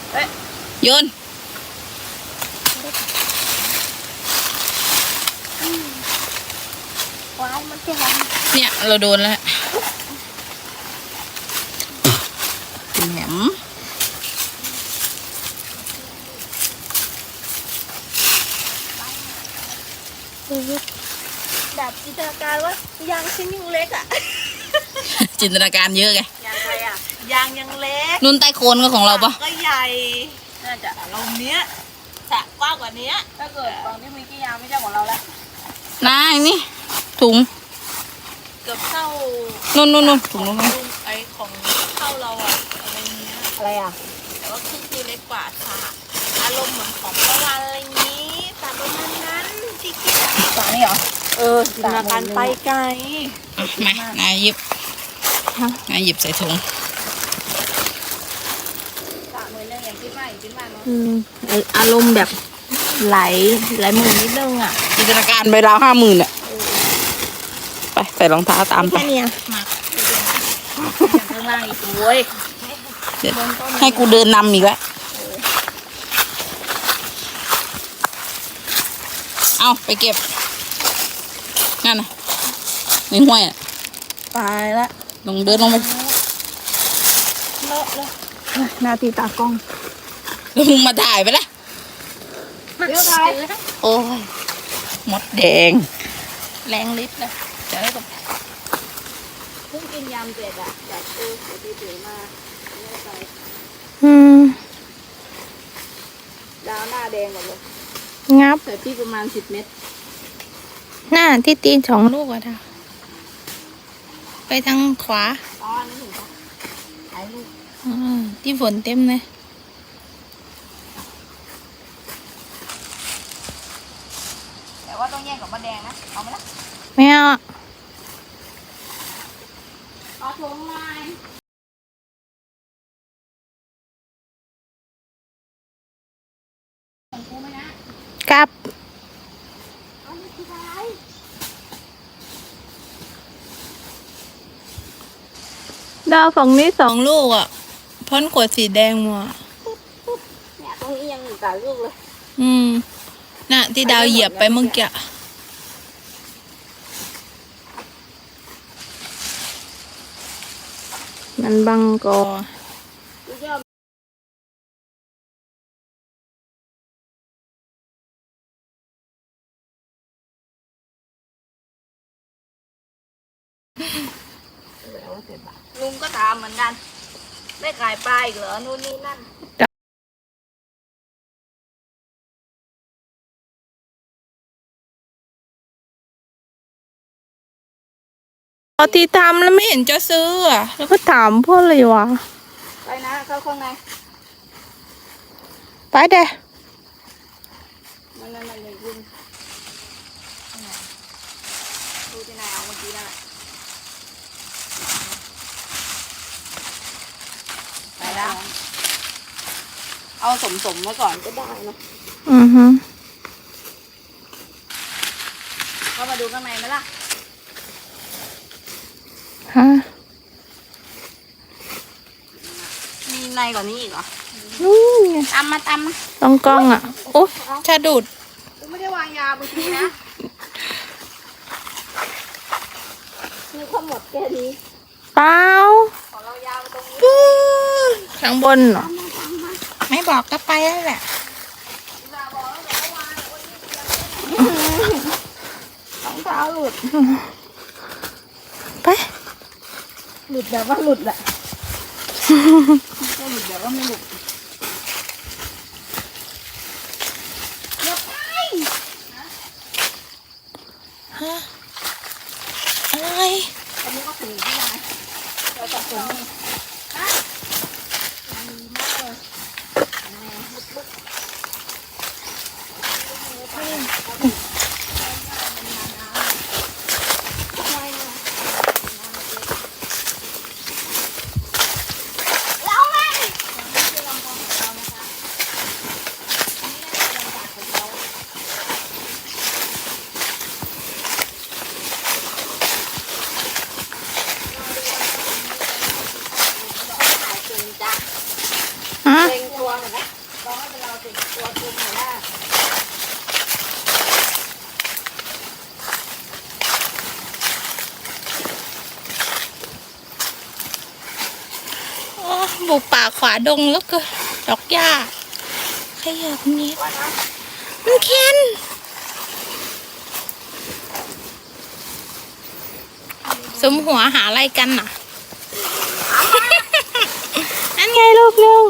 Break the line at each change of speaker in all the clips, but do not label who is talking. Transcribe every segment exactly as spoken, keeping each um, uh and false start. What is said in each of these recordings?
โยน
ว้าวมันจะหอม
เนี่ยเราโดนแล้วแหม
แบบจินตนาการว่ายางชิ้นยังเล็กอ่ะ
จินตนาการเยอะไง
ยางอะไรอ่ะยางยังเล็ก
นุ่นใต้โคนก็ของเราปะ
ก็ใหญ่น่าจะลมเนี้ยสระกว้างกว่านี้ถ้าเกิดตอนที่มีกี่ยางไม่ใช่ของเราแล้ว
นายนี่ถุง
เกือบเข้า
นุ่นนุ่นนุ่นถุงนุ่น
ไอของเข้าเราอ่ะอะไรเงี้ยอะไรอ่ะแต่ว่าคือคือเล็กกว่าค่ะอารมณ์เหมือนของประวันอะไรนี้แต่ประมาณนั้นที่คิดอ่ะ
สานี่เหรอ
เออจินตนาการไปไกล
มานายหยิบนายหยิบใส่ถุง
สามมือเนี่ยอย่างที่ว่าอย่างที่ว่าเนาะ
อืมอารมณ์แบบไหลไหลมือนิดนึงอ่ะจินตนาการไปราวห้าหมื่นอ่ะไปใส่รองเท้าตามไป
เนี่ยมาข้างล่างอีกโว้ย
ให้กูเดินนำอีกแล้วเอาไปเก็บนั่นน่ะในห้วยอ่ะ
ตายละ
ลงเดินลงไป
เลอะเลยนาทีตากล้อง
แล้วมึงมาถ่ายไปละ
เดี๋ยวถ่าย
โอ้ยมดแดงแรงลิ์นะจะได้กับ
เพิ่งกินยำเสร็จอะแบบเออเดี๋ยวตื่นมาไม่ไป
อืม
ดาวหน้าแดงหมดเลย
งับ
ใส่พริกประมาณสิบเม็ด
หน้าที่ตีนสองลูกอะท่ะไปทางขวา
ตอนนี้ถึงปะหายลูก
อืมที่ฝนเต็มเลย
แต่ว่าต้องแยกกับมะแดงนะเอาไหมล่ะ
ไม่เอา
เอาถุงมาของกูไหมนะ
กลับ
เอาไม่คิดอะไร
ดาวฝั่งนี้สองลูกอ่ะพ้นขวดสีแดงมา
เนี่ยตรงนี้ยังอีกหลายลูกเลย
อืมน่ะที่ดาวเหยียบไปเมื่อกี้มันบังกอ
ลุงก็ถามเหมือนกันได้ขายปลาอีกเหรอนู่นนี่นั่น
พอที่ทำแล้วไม่เห็นจะซื้ออ่ะแล้วก็ถามพวกเลยวะ
ไปนะเข้าข้างใน
ไปเด้
มันนั่นนั่นเลยคุณดูที่ไหนเอาเมื่อกี้นั่นแหละไปแล้วเอาสมสมมาก่อนก็ได้เนาะ
อือฮึ
เข้ามาดูข้างในไหมล่ะ
ฮะ
มีในกว่านี้อีกเหรอ
นู่นไง
ตามมาตามมา
ต้องกล้องอ่ะโอ้ชาดูด
กูไม่ได้วางยาเมื่อกี้นะมีข้าวหมดแค่นี้
เปล่า
ของเรายาวตรงนี้
ข้างบนเหรอไม่บอกก็ไปแล้วแหละ
รองเท้าหลุด
ไป
หลุดแบบว่าหลุดแหละไม่หลุดแบบว่าไม่หลุดอย่าไป
ฮะอะไร
อันนี้ก็ถึงที่ไหนเราจะถึงนี่ฮะดีมากเลยแม่ลุกลุก
บุกป่าขวาดงแล้วก็ดอกหญ้าขยับนิดมันเค็นสมหัวหาอะไรกันน่ะ นั่นไงลูกเร็ว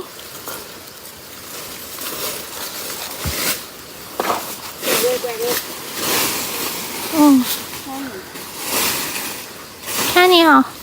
อืมแค่นี้เหรอ